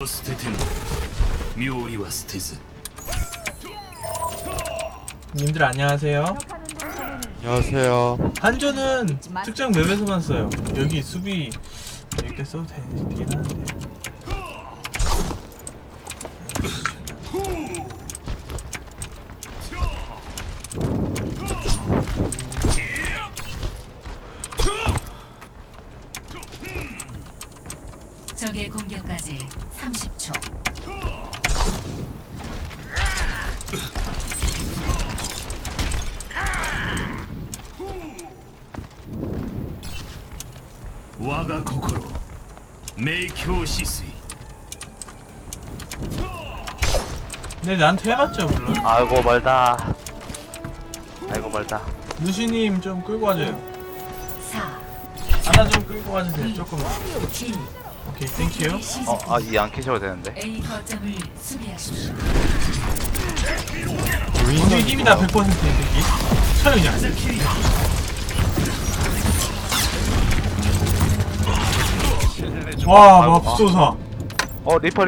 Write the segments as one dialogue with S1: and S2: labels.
S1: 님들 안녕하세요.
S2: 안녕하세요.
S1: 한조는 특정 맵에서만 써요. 여기 수비 이렇게 써도 되긴 하는데.
S3: 적의 공격까지 30초.
S4: 와가 코코로 메이쿄 시스이.
S1: 네, 나한테 해봤죠 물론.
S5: 아이고 멀다. 아이고 멀다.
S1: 루시님 좀 끌고 와줘요.
S3: 4,
S1: 하나 좀 끌고 와주세요. 조금만.
S3: 1.
S1: 오케이, 땡큐.
S5: 이 안 캐셔도 되는데.
S3: A 거점을 수비하십시오.
S1: 우리 힘이다 100%인 새끼. 처형이야. 와, 맙소사.
S5: 리퍼.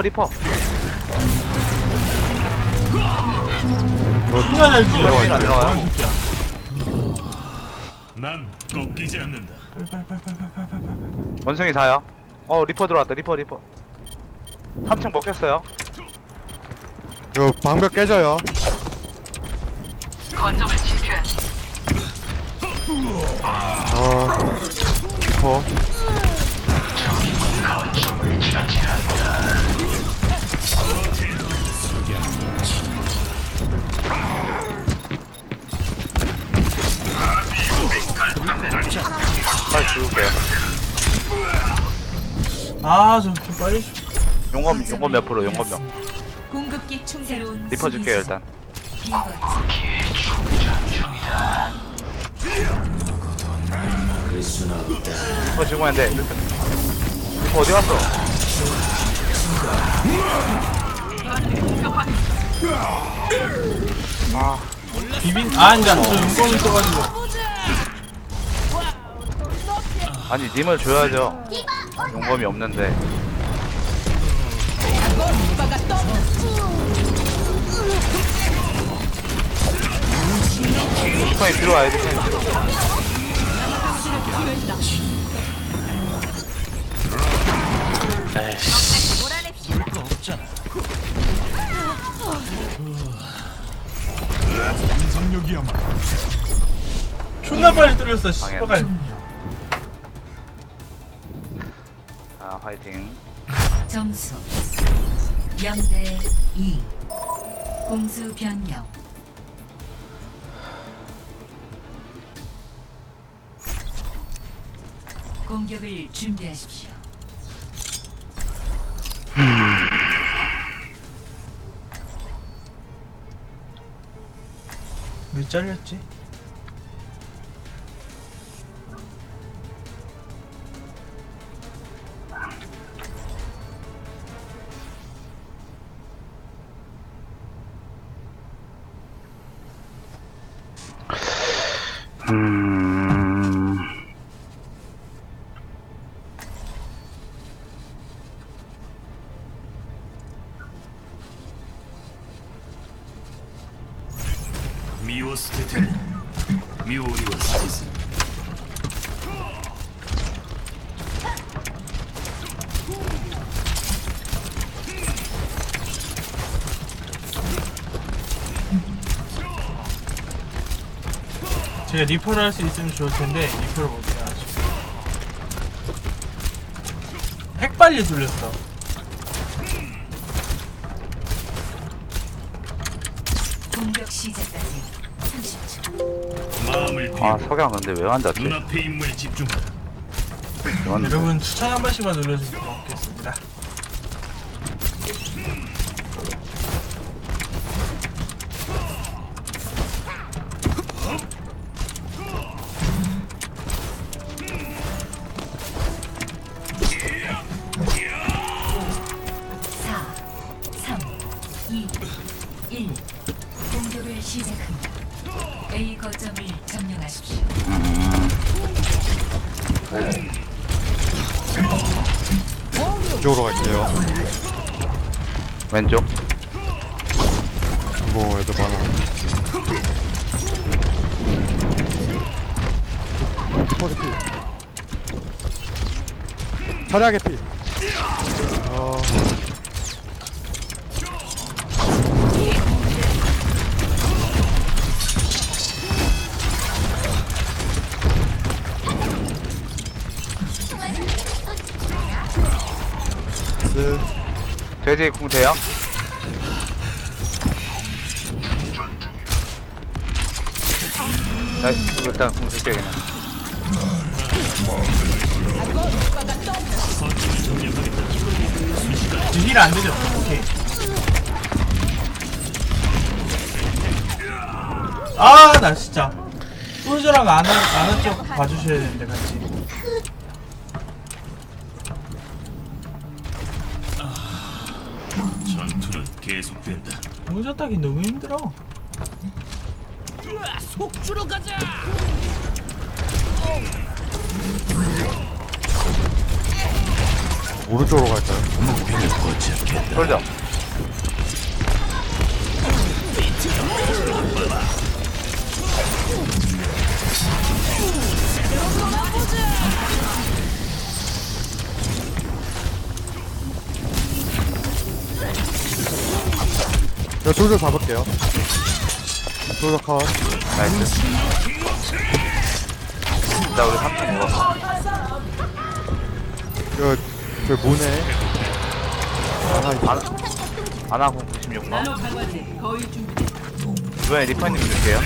S1: 누가 잘 지어?
S5: 안 들어가요?
S1: 새끼야.
S4: 난 꺾이지 않는다.
S1: 빨빨빨빨빨빨빨빨.
S5: 원숭이 4요. 리퍼 들어왔다. 리퍼. 3층 먹혔어요.
S2: 이거 방벽 깨져요. 리퍼.
S5: 빨리 죽을게요.
S1: 아, 좀 빨리.
S5: 용검 몇 프로? 용검 몇?
S3: 공급기 충새로운
S5: 리퍼 줄게요 일단.
S3: B 거점.
S5: 리퍼 죽으면 안 돼. 리퍼 어디 갔어?
S1: 아니다. 저 용검이 써가지고.
S5: 아니 님을 줘야죠. 용검이 없는데. 리퍼이 들어와야 돼.
S1: 존나 빨리 뚫렸어. 씨발.
S5: 화이팅.
S3: 점수 0대 2. 공수 변경. 공격을 준비하십시오.
S1: 왜 잘렸지?
S4: 미오리와 스테즈.
S1: 제가 리퍼를 할 수 있으면 좋을 텐데 리퍼를 못 해가지고. 핵빨리 돌렸어.
S3: 공격 시작까지 30초.
S4: 마음을 비워
S5: 석양 근데 왜 앉았지?
S4: 눈앞의 인물에 집중하라.
S1: 여러분 추천 한 번씩만 눌러주시면 고맙겠습니다.
S3: 공격을 시작합니다. A 거점을 점령하십시오.
S2: 이쪽으로 갈게요.
S5: 왼쪽.
S2: 뭐 애들 많아. 리퍼 개피. 차량 개피.
S5: 돼지 궁 돼요? 나 일단 궁 쓸게 그냥.
S1: 힐 안 되죠? 오케이. 아, 나 진짜. 솔저랑 아는 쪽 봐주셔야 되는데, 같이.
S4: 전투는 계속된다.
S1: 혼자 따기 너무 힘들어.
S2: 오른쪽으로 갈까요?
S5: 솔져.
S2: 제가 솔저 잡을게요. 솔저 컷.
S5: 나이스. 나 우리 3층 먹었어.
S2: 이거 저 문에 하나 있어.
S5: 아나공 96만. 이번에 리퍼님 줄게요.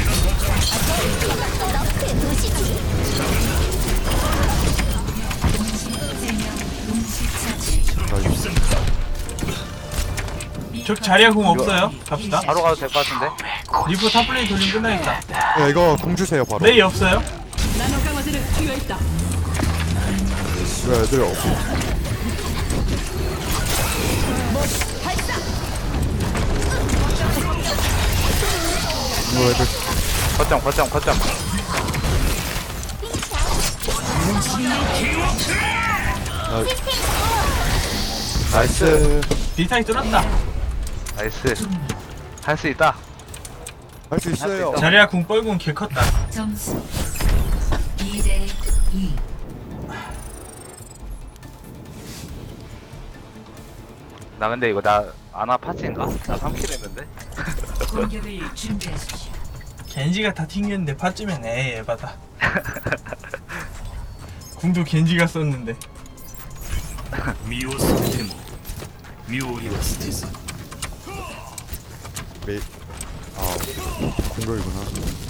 S1: 저 자리야 공 없어요? 갑시다.
S5: 바로 가도 될 것 같은데?
S1: 리포 탑플레이 돌리면 끝나겠다.
S2: 야 이거 공 주세요 바로.
S1: 메이 없어요?
S2: 왜 애들 없어? 이거 애들
S5: 거점.
S2: 나이스.
S1: 디타이 뚫었다.
S5: 나이스. 할 수 있다.
S2: 할 수 있어요.
S1: 자리야 공 뻘궁 개 컸다.
S3: 점수 2대 2.
S5: 나 근데 이거 나 아나 파츠인가? 나 3킬 했는데?
S3: 공격을 준비하십시오.
S1: 겐지가 다 튕겼는데 파쯤엔 에이 에바다. 궁도 겐지가 썼는데.
S4: 미오 스테모. 미오리와 스테스.
S2: 메이. 아 공격이구나.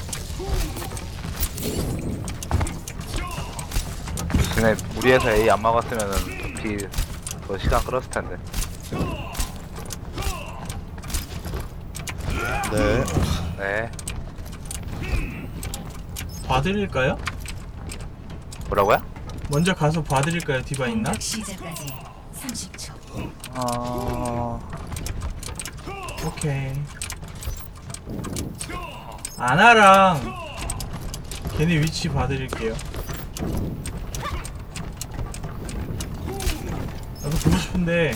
S5: 근데 우리 회사 A 안 막았으면은 B 더 시간 끌었을 텐데.
S2: 네.
S5: 네.
S1: 봐드릴까요?
S5: 뭐라고요?
S1: 먼저 가서 봐드릴까요? 디바 있나?
S3: 공격 시작까지 30초.
S1: 오케이. 아나랑 걔네 위치 봐드릴게요. 나도 보고 싶은데.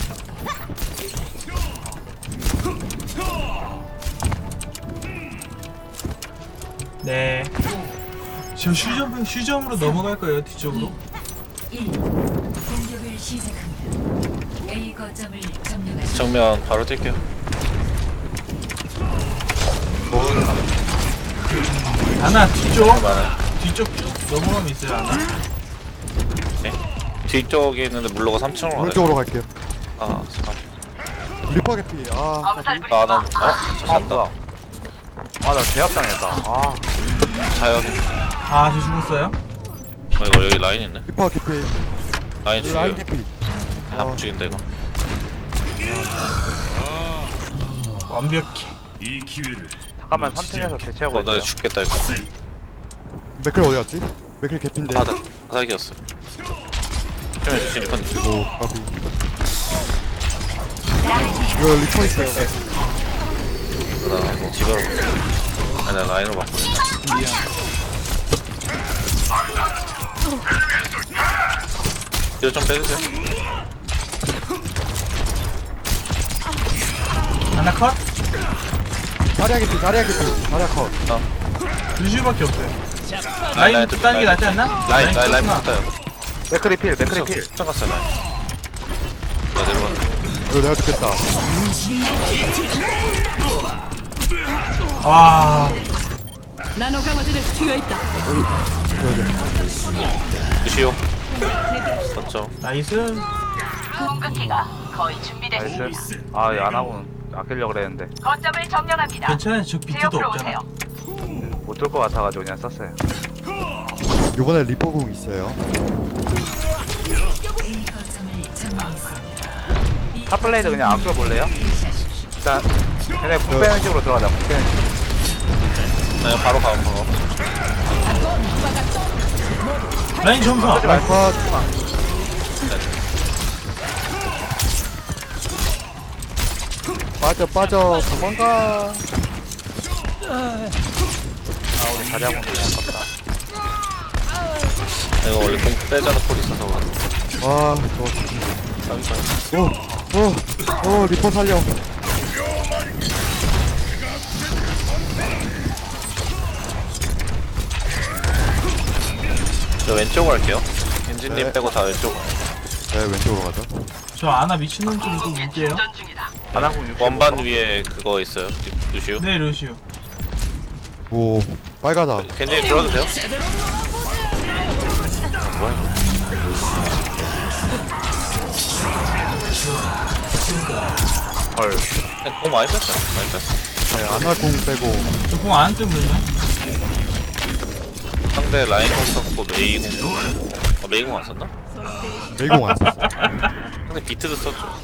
S1: 네. 저 슈점으로 넘어갈 거예요, 뒤쪽으로.
S3: 1. 공격을 시작합니다. A 거점을 점령하십시오.
S6: 정면 바로 뛸게요.
S1: 아나 뒤쪽.
S6: 많아요.
S1: 뒤쪽 쭉 넘어가면 있어요, 아나.
S6: 네. 뒤쪽에 있는데 물로가 3층으로 가요.
S2: 오른쪽으로 갈게요.
S6: 아, 잠깐.
S2: 리퍼 개피. 아.
S6: 나 잠깐다.
S5: 나 제압당했다. 아,
S6: 자연.
S1: 아, 저 죽었어요?
S6: 이거 여기 라인 있네.
S2: 리퍼 개피.
S6: 라인 죽여.
S2: 라인 개피.
S6: 안 죽인다 이거.
S1: 완벽해.
S4: 이 기회를
S5: 잠깐만 3층에서 대체하고
S6: 나
S5: 있어요.
S6: 죽겠다 이거.
S2: 맥클 어디 갔지? 맥클 개피인데.
S6: 사기였어. 좀 해주시 리펀.
S2: 오 까비. 이거 리퍼 있어요.
S6: 나 이거 집으로. 아니 나 라인으로 바꿔. 뒤로 좀 빼주세요.
S1: 컷?
S2: 자리야 개피 자리야 컷.
S1: 루시우밖에 없어요. 라인 따는 게 낫지 않나?
S6: 라인
S1: 떴구나.
S6: 붙어요.
S5: 맥크리 필 맥크리 필.
S6: 짱 갔어요 라인. 나 내려가.
S2: 이거 내가 죽겠다.
S1: 와,
S7: 나노 강화제를 튀어 있다.
S6: 루시오. 맞죠.
S1: 나이스.
S5: 나이스. 아, 얘안 하고 아끼려고 그랬는데
S1: 괜찮아요. 저 비트도 없잖아.
S5: 못 들 것 같아가지고 그냥 썼어요.
S2: 요번에 리퍼공 있어요.
S3: A 거점을 점령했습니다.
S5: 탑블레이드 그냥 아껴볼래요? 일단 걔네 국 빼는 식으로 들어가자. 국 빼는 식으로.
S6: 그냥 바로 가 바로.
S1: 라인 점사.
S2: 라인 컷. 빠져 도망가.
S5: 아, 우리 자리하고 아깝다.
S6: 이거 원래 공 빼자는 콜 있어서 그래.
S2: 와 오 리퍼 살려.
S6: 저 왼쪽으로 할게요. 엔진님
S2: 네.
S6: 빼고 다 왼쪽.
S2: 네 왼쪽으로 가죠.
S1: 저 아나 미친놈 좀 또 볼게요.
S5: 안 하고 60.
S6: 원반 위에 그거 있어요. 루시오.
S1: 네, 루시우.
S2: 오 빨가다.
S6: 겐진이 들어도 돼요? 뭐야 이거.
S5: 헐.
S6: 그냥 공 많이 뺐어요. 많이 뺐어.
S2: 네 아나공 빼고.
S1: 저공안 뜨면
S6: 상대 라인 공 썼고 메이 공. 메이 공 안 썼나?
S2: 메이공 안 썼어.
S6: 상대 비트도 썼죠.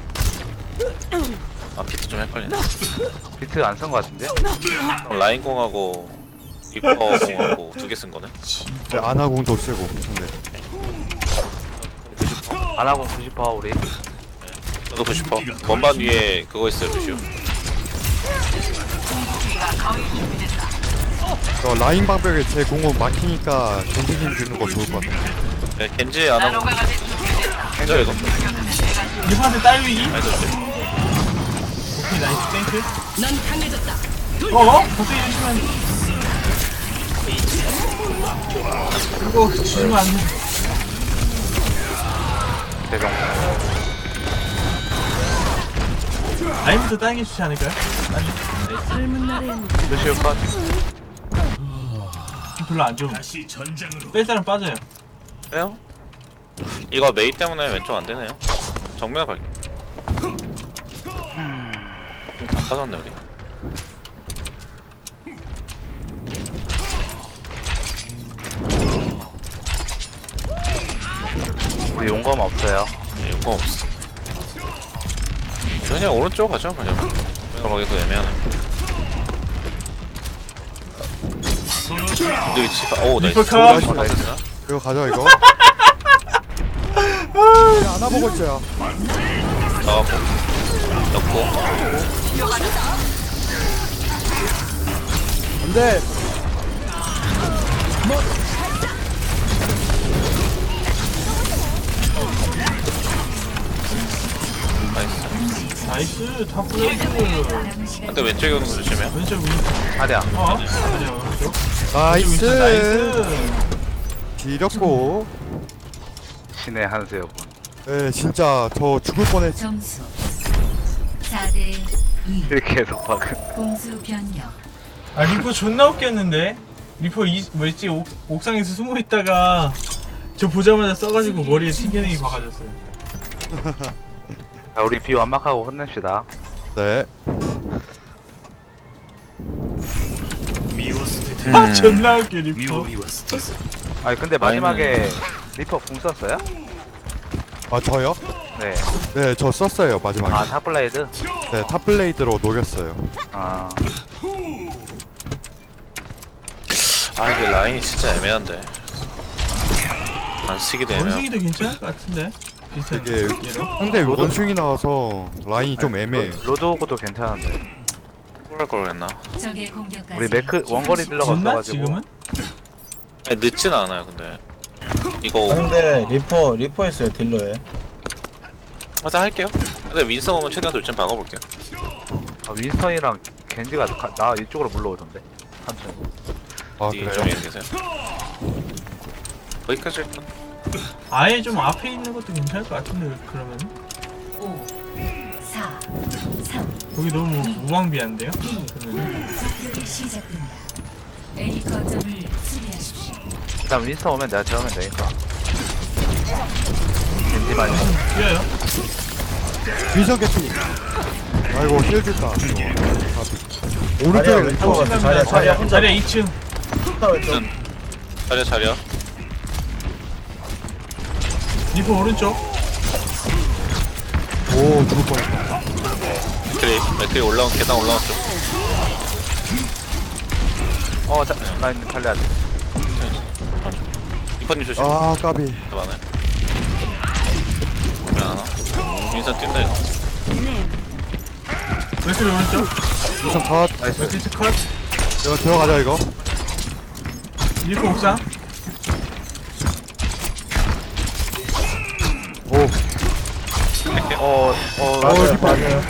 S6: 아 비트 좀 헷갈리네.
S5: 비트 안 쓴 것 같은데?
S6: 그럼 라인 공하고 리퍼 공하고 두 개 쓴 거네.
S2: 네 아나공도 쓰고. 근데
S5: 안 하고 90% 우리.
S6: 저도 90%. 원반 위에 그거 있어요 루시오.
S2: 저 라인 방벽에 제 공은 막히니까 겐지님 주는 거 좋을 것 같아요.
S6: 네, 겐지 안 하고. 겐지 이거.
S1: 리퍼한테 딸리기.
S6: 아니 저
S1: 오케이, 나이스. 땡큐.
S7: 넌 강해졌다.
S1: 어? 갑자기 이러시면 이거 지면 안 돼.
S5: 대정.
S1: 라인부터 따는 게 좋지 않을까요? 아니,
S7: 젊은 날엔
S5: 루시오 컷.
S1: 별로 안 좋은.
S4: 다시 전장으로.
S1: 뺄 사람 빠져요.
S6: 빼요? 이거 메이 때문에 왼쪽 안 되네요. 정면 갈게. 다 빠졌네 우리.
S5: 우리 용검 없어요.
S6: 네, 용거 없어. 그냥 오른쪽 가죠 그냥. 가기도 애매하네. 근데 위치가 오 나이스.
S1: 리퍼 컷.
S6: 리퍼 나이스.
S2: 이거 가져 이거. 아나 보고 있어요.
S6: 나가고 넣고
S2: 안돼.
S6: 나이스.
S1: 나이스. 다 플레이드.
S6: 근데 왼쪽에 오는 거 조심해요.
S1: 왼쪽 위.
S5: 자리야.
S1: 어? 아니야, 오른쪽.
S2: 나이스.
S1: 나이스.
S2: 지렸고.
S5: 신의 한 수였군.
S2: 네 진짜 저 죽을 뻔했.
S3: 점수 4대 2.
S5: 이렇게 해서 박은.
S3: 공수 변경.
S1: 아, 리퍼 존나 웃겼는데? 리퍼 뭐였지? 옥상에서 숨어 있다가 저 보자마자 써가지고 머리에 튕겨내기 박아줬어요.
S5: 자, 우리 비 완막하고 혼냅시다.
S2: 네.
S4: 미오스테테.
S1: 아, 존나 웃겨, 리퍼.
S4: 미오리와스테스.
S5: 아니 근데 마지막에 리퍼 궁 썼어요?
S2: 아 저요?
S5: 네.
S2: 네 저 썼어요 마지막에.
S5: 아 탑블레이드?
S2: 네 탑블레이드로 녹였어요.
S5: 아
S6: 아 이게 라인이 진짜 애매한데. 안 쓰기도 애매하고.
S1: 원숭이도 괜찮을 것 같은데? 비슷한
S2: 되게
S1: 얘로.
S2: 상대 원숭이 나와서 라인이 좀 애매해.
S5: 로드호그도 괜찮은데.
S6: 할 걸 그랬나?
S3: 적의 공격까지.
S5: 우리 매크 원거리 딜러가
S1: 늦나?
S5: 없어가지고.
S1: 지금은?
S6: 아니, 늦진 않아요 근데. 이거
S8: 근데 리퍼 했어요 딜러에.
S6: 하자 할게요. 근데 윈성 오면 최대한 돌진 박아볼게요.
S5: 아, 윈스턴이랑 겐지가 나 이쪽으로 물러오던데. 한참.
S2: 아
S6: 이
S2: 그래요?
S6: 점에 계세요. 거기까지 일단.
S1: 아예 좀 앞에 있는 것도 괜찮을 것 같은데 그러면
S3: 5, 4, 3,
S1: 거기 너무 무방비한데요? 그러면
S3: 공격이 시작됩니다. A 거점을 수비하십시오.
S5: 일단 윈스턴 오면 내가 재우면 되니까. 겐지만이.
S1: 뛰어요.
S2: 위성 개피. 아이고 힐 줄까.
S8: 자리야
S2: 오른쪽에
S8: 왼쪽으로
S2: 리퍼.
S8: 갔어. 자리야 혼자
S1: 자리야 2층.
S8: 혼자 왼쪽.
S6: 자리야.
S1: 리퍼 오른쪽.
S2: 오 죽을 뻔했다.
S6: 맥크리 올라온 계단 올라왔죠.
S5: 라인 살려야 돼.
S6: 이퍼님 조심.
S2: 아 까비.
S6: 많아요. 왜 안 와? 인사 뛴다 이거.
S1: 웨슬리 오른쪽.
S2: 위성 컷.
S1: 웨슬리 컷.
S2: 이거 들어가자 이거.
S1: 리퍼 옥상.
S2: 오.
S8: 맞아요
S2: 리퍼.
S8: 맞아요.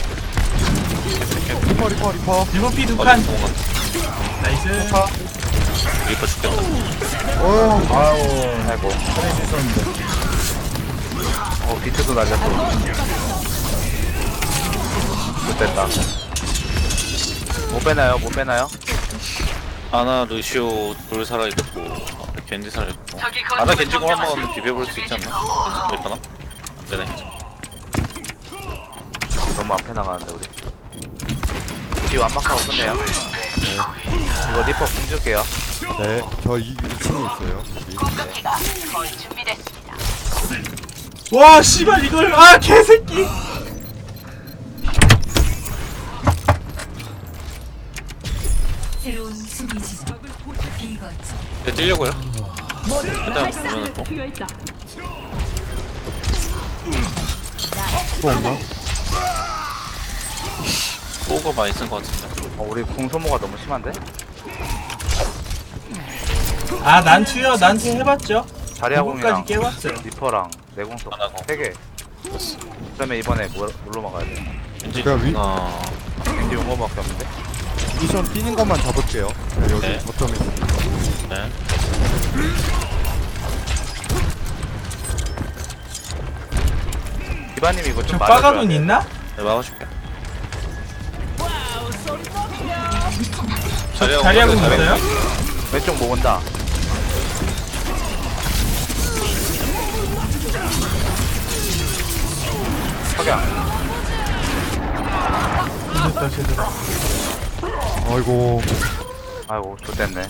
S2: 리퍼.
S1: 리퍼 피 두
S6: 어디
S1: 칸.
S6: 도망가.
S1: 나이스.
S6: 리퍼 죽겠다.
S2: 오.
S8: 아우
S5: 아이고.
S8: 잘할 수 있었는데.
S5: 비트도 날렸어. 못됐다. 못 빼나요?
S6: 아나 루시오 둘 살아있고 겐지 살아있고 아나 겐지공 한번 비벼볼 수 있지 않나? 못 되나? 안되네.
S5: 너무 앞에 나가는데 우리. 뒤 완막하고 끝내요. 이거 리퍼 공줄게요.
S2: 네. 저 2층에 있어요. 여기.
S1: 와 씨발 이걸 아 개새끼.
S3: 새로운 수비 지점 B 거점.
S6: 네, 뛰려고요. 일단 보면은
S7: 튀어있다.
S2: 또 없나?
S6: 오거 많이 쓴 것 같은데.
S5: 우리 궁 소모가 너무 심한데?
S1: 아 난투요. 난투 해봤죠.
S5: 자리아
S1: 누구까지
S5: 공이랑
S1: 깨봤어요.
S5: 리퍼랑 내공속
S6: 하나 공.
S5: 3개. 그러면 이번에 뭘로 막아야 돼?
S6: 겐지
S2: 그냥
S5: 겐지 용거밖에 없는데?
S2: 미션 뛰는 것만 잡을게요. 네, 여기
S6: 네.
S2: 거점에.
S6: 네.
S5: 디바님 이거
S1: 저
S5: 좀
S1: 빠가돈 있나?
S6: 네, 막아줄게.
S1: 자리하고 있어요?
S5: 왼쪽 모은다. 석양.
S1: 됐다 제대로.
S2: 아이고.
S5: 아이고 좋댔네.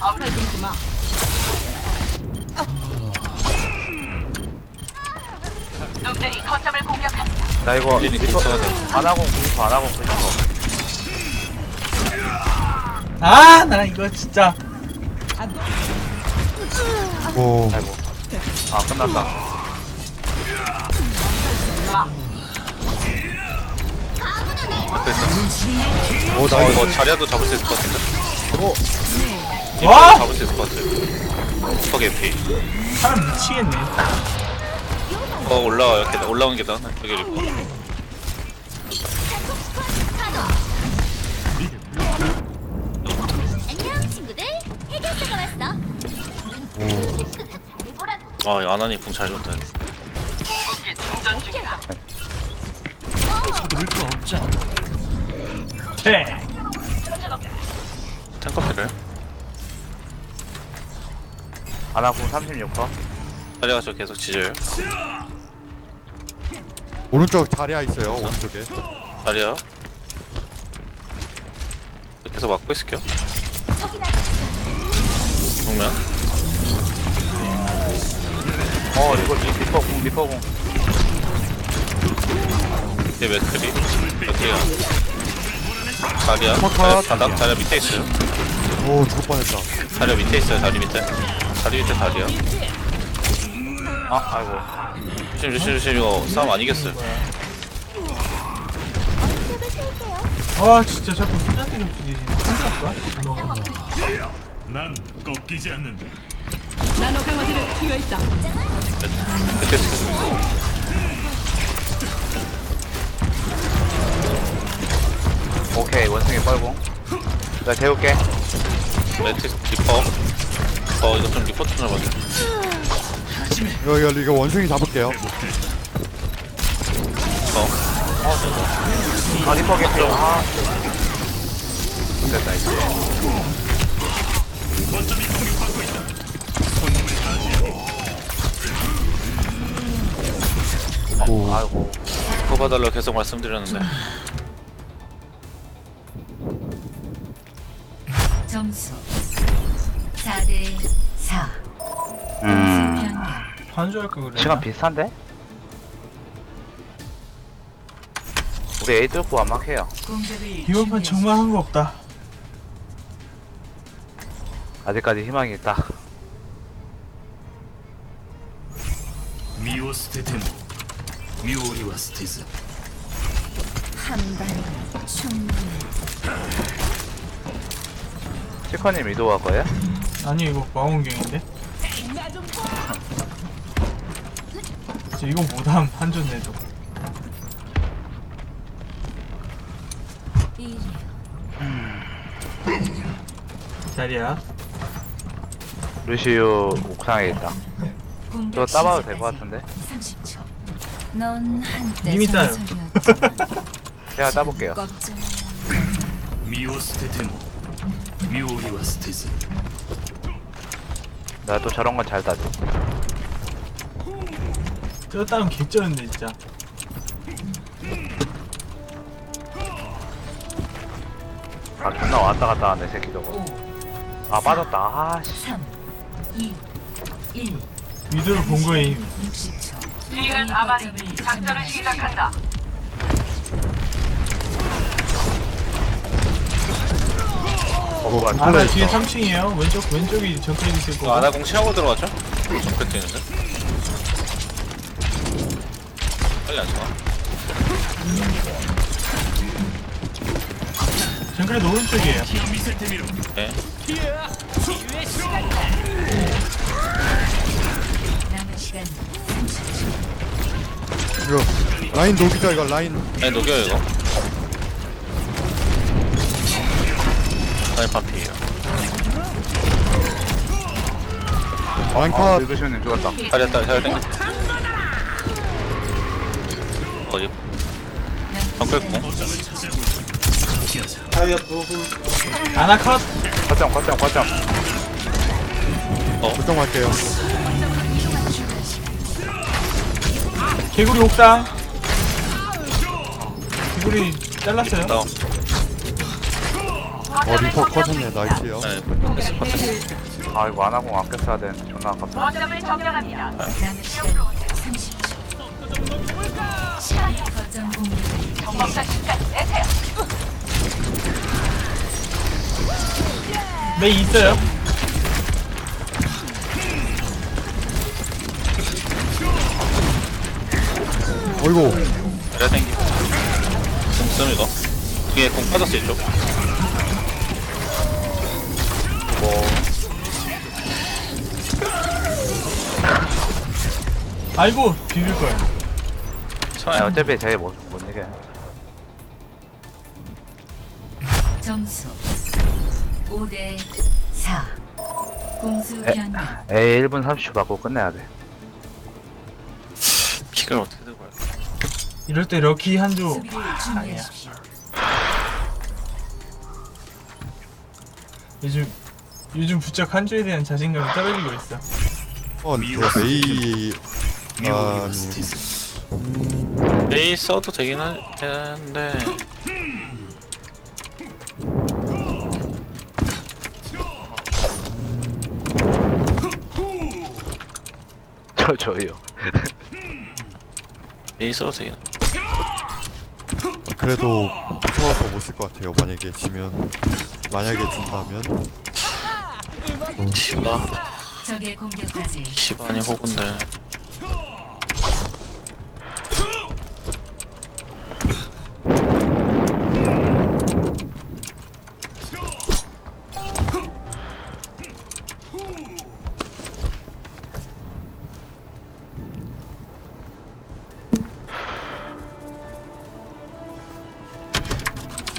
S5: 나 이거
S6: 겐지
S5: 리퍼
S6: 있어야 돼.
S5: 안하공 리퍼 안하공 리퍼.
S1: 아 나 이거 진짜.
S2: 오.
S5: 아이고. 아 끝났다.
S2: 오 나
S6: 이거 자리아도 잡을 수 있을 것 같은데.
S1: 와
S6: 잡을 수 있을 것 같아. 슈퍼 개피.
S1: 사람 미치겠네.
S6: 올라와요. 계단 올라온 계단. 여기 리퍼.
S9: 안녕 친구들 해결사가 왔어.
S6: 아, 이 아나니 궁 잘 줬다.
S1: 네.
S6: 탱커피를.
S5: 안하공 36%.
S6: 자리아가 저 계속 지져요.
S2: 오른쪽 자리야 있어요. 오른쪽에.
S6: 자리아. 계속 막고 있을게요. 정면.
S5: 이거 리퍼 공.
S6: 이제 맥크리. 맥크리가. 자리아.
S2: 컷.
S6: 바닥 자리아 밑에 있어요.
S2: 오 죽을 뻔했다.
S6: 자리아 밑에 있어요. 다리 밑에. 다리 밑에 다리아.
S5: 아이고.
S6: 조심 이거 싸움 안 이겼어요.
S1: 아 진짜 자꾸 수잔데 좀 부딪히네. 깜짝이야.
S4: 난 꺾이지 않는다.
S7: 나노 강화제를 튀어있다.
S6: 그때 지금
S5: 오케이 원숭이 뻘공. 내가 재울게.
S6: 매트 리퍼. 이거 좀 리퍼 좀 잡아줘.
S2: 이거 원숭이 잡을게요.
S5: 아 리퍼 개피. 아 됐다 이제. 아이고.
S6: 리퍼 봐달라고 계속 말씀드렸는데.
S3: 점수 4대 4. 변경.
S1: 반주할 거 그래.
S5: 시간 비슷한데? 우리 A 뚫고 완막해요.
S3: 공격을
S1: 이번 판 정말 한 거 없다.
S5: 아직까지 희망이 있다.
S4: 身を捨てても身を売りは捨てず
S3: 한 방에 충분해.
S5: 치커님 이도할 거예요?
S1: 아니 이거 망원경인데? 저 이거 못함 한존 내도. 자리야.
S5: 루시우 옥상에 있다.
S3: 공격
S5: 저거 따봐도 될
S3: 시작까지
S5: 것 같은데?
S3: 30초. 넌 한때
S1: 이미 따요.
S3: 전설이었지만
S5: 제가 따볼게요.
S3: 걱정.
S4: 身を捨てても身を売りは捨てず
S5: 나 또 저런 건 잘 따지.
S1: 저거 따면 개쩌는데 진짜.
S5: 아 존나 왔다 갔다 하네 새끼 저거.
S3: 5,
S5: 아 빠졌다. 아씨.
S3: 3, 2, 1.
S1: 위도를 본 거임.
S3: 60초. 지금 아마리 작전을 시작한다.
S5: 뭐가
S1: 아나
S5: 뚫려
S1: 뒤에
S5: 있어.
S1: 3층이에요. 왼쪽이 정크레 있을 거고.
S6: 아나공 치하고 들어가죠? 정크 뛰는데. 빨리 안 쳐.
S1: 정크레도 오른쪽이에요.
S4: 見せてみろ
S6: 네.
S3: 남은 시간
S2: 이거 라인 녹이자 이거 라인.
S6: 아니 녹여요 이거. 아니 반피에요.
S2: 라인
S5: 아
S2: 컷.
S5: 늙으시면 죽었다.
S6: 잘했다 잘 땡겨. 어디? 정글공.
S1: 아나 컷.
S5: 거점.
S2: 걱정할게요.
S1: 개구리 옥상. 개구리 잘랐어요.
S6: 다운.
S2: 리퍼 컷했네. 나이스요.
S6: 네. 패스 컨텐츠.
S5: 아 이거 안 하고 아껴 써야 되는데 존나 아깝다.
S3: 남은 시간 30초. 거점
S1: 메이 있어요.
S2: 어이구.
S6: 잘 땡기고. 공쓰 이거. 뒤에 공 빠졌어 이쪽.
S1: 아이고 비빌 거야.
S5: 아,
S6: 천천히.
S5: 어차피 제일 못 이겨.
S3: 점수 5대 4. 공수 변경.
S5: A 1분 30초 받고 끝내야 돼.
S6: 픽을 어떻게 들고 갈까?
S1: 이럴 때 럭키 한조.
S3: 수비를 준비하십시오.
S1: 요즘 부쩍 한조에 대한 자신감이 떨어지고 있어.
S2: 이거 메이.
S4: 身を売り
S2: 아
S4: は捨てず
S6: 메이 써도 되긴 하는데.
S5: 저요.
S6: 메이 써도 되긴.
S2: 그래도 무서워서 못 쓸 것 같아요. 만약에 지면. 만약에 진다면.
S6: 시바.
S3: 적의 공격까지
S6: 시바니 호군데.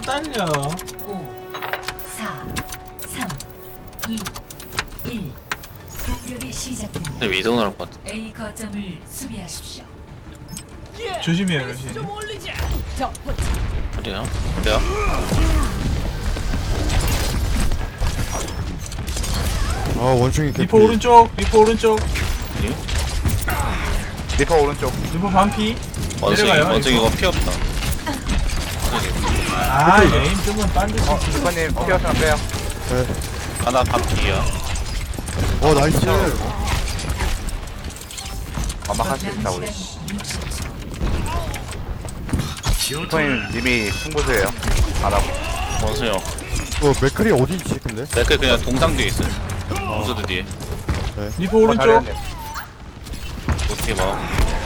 S1: 딸려.
S7: 5, 4, 3, 2, 1. 공격이 시작됩니다.
S6: 근데 위도 나올 것 같아.
S7: A 거점을 수비하십시오.
S1: 조심해요, 러시.
S6: 어디야? 어디야?
S2: 아 원숭이 개피.
S1: 리퍼 오른쪽, 리퍼 오른쪽,
S5: 리퍼 오른쪽.
S1: 리퍼 반피.
S6: 원숭이
S1: 내려가요,
S6: 원숭이가 피 없다.
S1: 아, 에임 뜨면 딴 듯이.
S5: 리퍼님 피어스나 빼요.
S6: 하나 반피야.
S2: 나이스.
S5: 아마 할 수 있다 우리. 리퍼님 님이 승부수예요. 안 하고.
S6: 원숭이 형.
S2: 맥클이 어디 있지 근데?
S6: 내가 그냥 동상 뒤에 있어요. 원수들 뒤에.
S1: 리퍼 오른쪽.
S5: 잘했네.
S6: 어떻게 봐.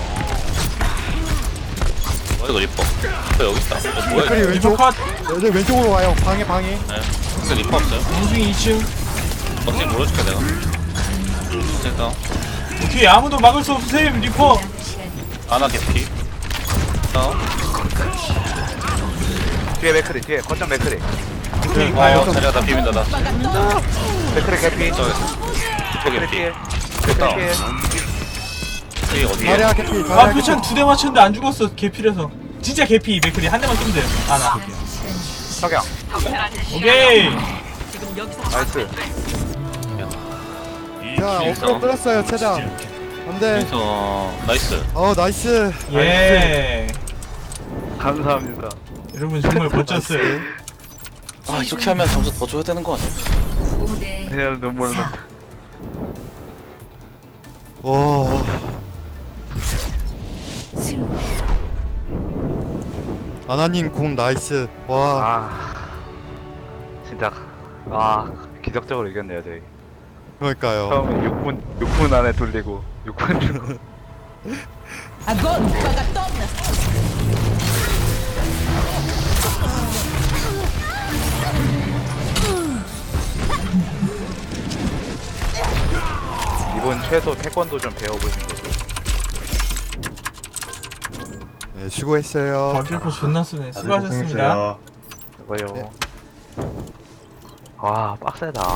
S6: 이거 리퍼. 리퍼 여기 있다. 뭐야
S2: 맥클이
S6: 이거.
S1: 리퍼
S2: 왼쪽.
S1: 컷.
S2: 네, 왼쪽으로 와요. 방해.
S6: 네. 근데 리퍼 없어요.
S1: 원숭이 2층.
S6: 어떻게 물어줄까 내가. 됐다.
S1: 뒤에 아무도 막을 수 없으세요, 리퍼.
S6: 아나 개피. 다운.
S5: 뒤에 맥크리 뒤에 거점 맥크리.
S1: 오케이, 가요.
S6: 자리가 다 비빈다 나.
S5: 맥크리 개피.
S6: 저기
S5: 맥크리
S6: 개피.
S5: 피해.
S6: 됐다.
S5: 맥크리 피해.
S6: 이 어디에?
S2: 자리야 개피.
S1: 아,
S2: 자리야
S1: 표창 2대 맞췄는데 안 죽었어, 개필해서. 진짜 개피, 맥클이. 한 대만 쏘면 돼요. 아, 나.
S5: 석양.
S1: 오케이.
S5: 나이스.
S2: 자 엎드려 끌었어요 최장. 안돼.
S6: 그래서 나이스.
S2: 나이스.
S1: 예.
S5: 감사합니다.
S1: 여러분 정말 멋졌어요.
S6: 아 이렇게 하면 점수 더 줘야 되는 거 아니야?
S7: 5대
S5: 그냥 눈물 나.
S2: 와.
S7: 승.
S2: 아나님 궁 나이스. 와.
S5: 아 진짜 기적적으로 이겼네요 저희.
S2: 그러니까요.
S5: 처음에 6분 안에 돌리고 6분 주고. 이번 최소 태권도 좀 배워보신 거죠.
S2: 네 수고했어요.
S1: 박일포 존나 쓰네. 수고하셨습니다.
S5: 이거요. 와 빡세다.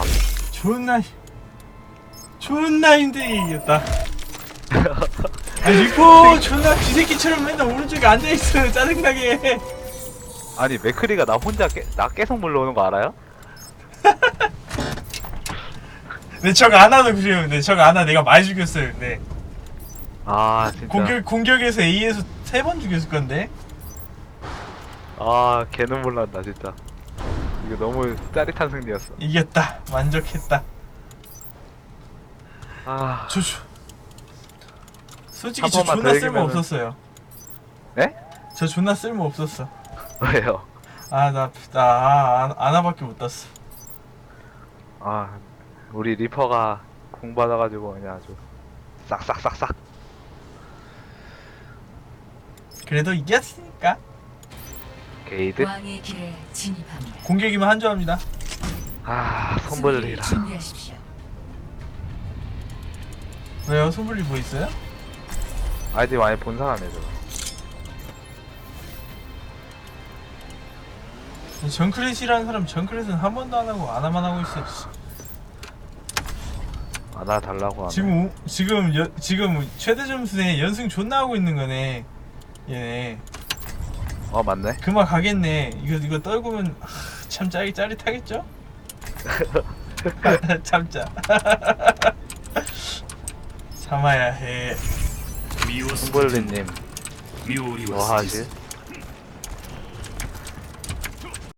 S1: 존나 힘들게 이겼다. 아, 리포 존나 쥐새끼처럼 맨날 오른쪽에 앉아있어요. 짜증나게.
S5: 아니 맥크리가 나 혼자 나 계속 물러오는 거 알아요?
S1: 근데 저거 안 와도 그래요. 근데 저거 안 와. 내가 많이 죽였어요. 근데
S5: 아 진짜.
S1: 공격에서 A에서 3번 죽였을 건데.
S5: 아 걔는 몰랐다 진짜. 이거 너무 짜릿한 승리였어.
S1: 이겼다. 만족했다.
S5: 아
S1: 솔직히
S5: 한
S1: 저
S5: 번만
S1: 존나
S5: 더
S1: 쓸모
S5: 이기면은-
S1: 없었어요.
S5: 네?
S1: 저 존나 쓸모 없었어.
S5: 왜요?
S1: 나 아나밖에 못 땄어.
S5: 아 우리 리퍼가 공 받아가지고 그냥 아주 싹싹싹싹.
S1: 그래도 이겼으니까.
S5: 게이드.
S7: 왕의 길에 진입합니다.
S1: 공격이면 한조합니다.
S5: 아 손벌리라.
S7: 준비하십시오.
S1: 왜요? 소불리 뭐 있어요?
S5: 아이디 많이 본 사람이죠.
S1: 정크렛이라는 사람 정크렛은 한 번도 안 하고 아나만 하고 있어.
S5: 나 달라고 하네.
S1: 지금 최대 점수에 연승 존나 하고 있는 거네. 얘네.
S5: 맞네.
S1: 그만 가겠네. 이거 떨구면 참 짜릿하겠죠? 참자. 참아야 해.
S4: 미오스
S5: 손벌리님
S4: 미오리와
S5: 뭐 하지?